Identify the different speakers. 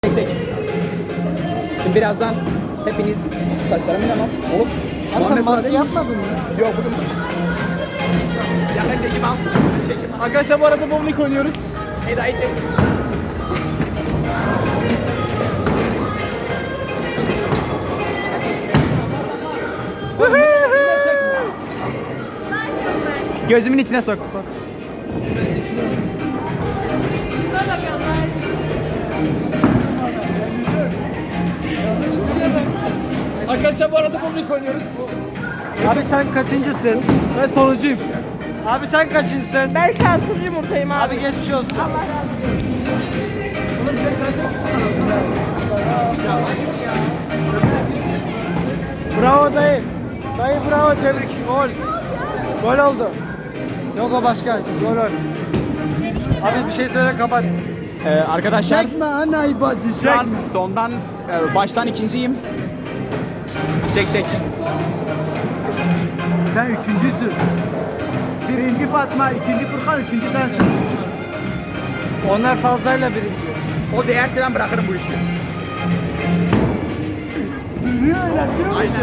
Speaker 1: Çek çek. Şimdi birazdan hepiniz saçlarımı tamam. Oğlum.
Speaker 2: Abi sen maske yapmadın mı?
Speaker 1: Yok bugün. Yakın çekim al. Çekim al.
Speaker 2: Arkadaşlar bu arada bowling oynuyoruz.
Speaker 1: Eda'yı çek. Gözümün içine sok.
Speaker 2: Arkadaşlar bu arada bowling oynuyoruz. Abi sen kaçıncısın? Ben sonuncuyum. Abi sen kaçıncısın?
Speaker 3: Ben şanssız yumurtayım abi.
Speaker 2: Abi geçmiş olsun.
Speaker 3: Allah razı olsun.
Speaker 2: Bravo dayı. Dayı bravo, tebrik. Gol. Gol oldu. Yok o başka. Gol ol. Abi bir şey söyle, kapat.
Speaker 1: Arkadaşlar
Speaker 2: Çekme anayı bacı,
Speaker 1: şu an sondan baştan ikinciyim. Çek çek.
Speaker 2: Sen üçüncüsün. Birinci Fatma, ikinci Furkan, üçüncü sensin. Onlar fazlayla birinci.
Speaker 1: O değerse ben bırakırım bu işi.
Speaker 2: Niye öyle?
Speaker 1: Aynen.